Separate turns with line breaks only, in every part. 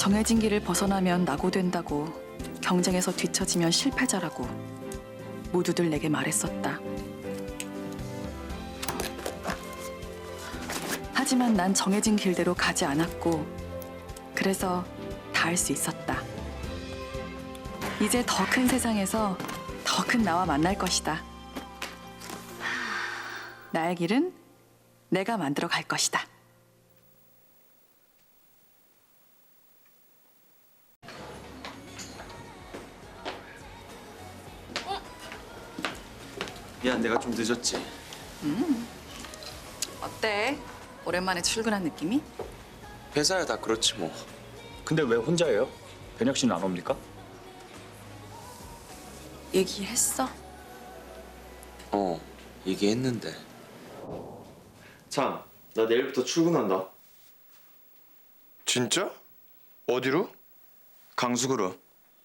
정해진 길을 벗어나면 낙오된다고, 경쟁에서 뒤처지면 실패자라고 모두들 내게 말했었다. 하지만 난 정해진 길대로 가지 않았고, 그래서 다 할 수 있었다. 이제 더 큰 세상에서 더 큰 나와 만날 것이다. 나의 길은 내가 만들어 갈 것이다.
미안, 내가 좀 늦었지.
어때? 오랜만에 출근한 느낌이?
회사야 다 그렇지 뭐.
근데 왜 혼자예요? 변혁 씨는 안 옵니까?
얘기했어?
얘기했는데. 참, 나 내일부터 출근한다.
진짜? 어디로?
강수그룹.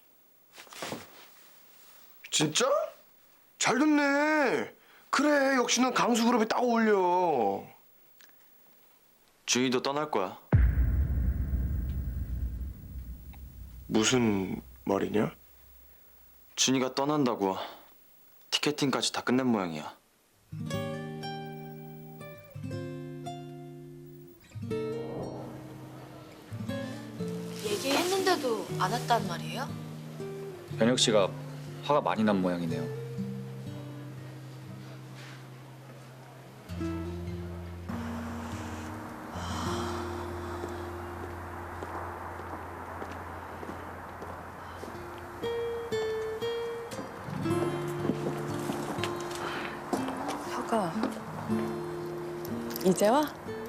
진짜? 잘 됐네. 그래, 역시 넌 강수그룹에 딱 어울려.
준이도 떠날 거야.
무슨 말이냐?
준이가 떠난다고. 티켓팅까지 다 끝낸 모양이야.
얘기했는데도 안 왔단 말이에요?
변혁 씨가 화가 많이 난 모양이네요.
혁아, 이제 와?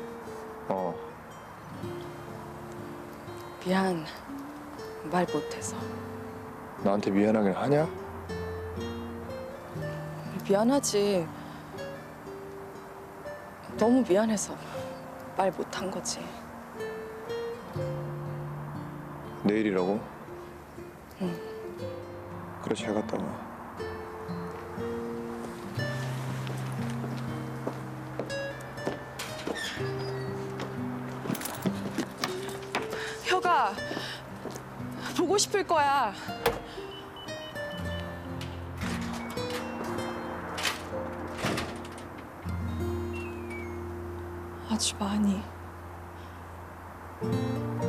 미안, 말 못해서.
나한테 미안하긴 하냐?
미안하지. 너무 미안해서 말 못한 거지.
내일이라고?
응.
그래, 잘 갔다 와.
혁아, 보고 싶을 거야. 아주 많이.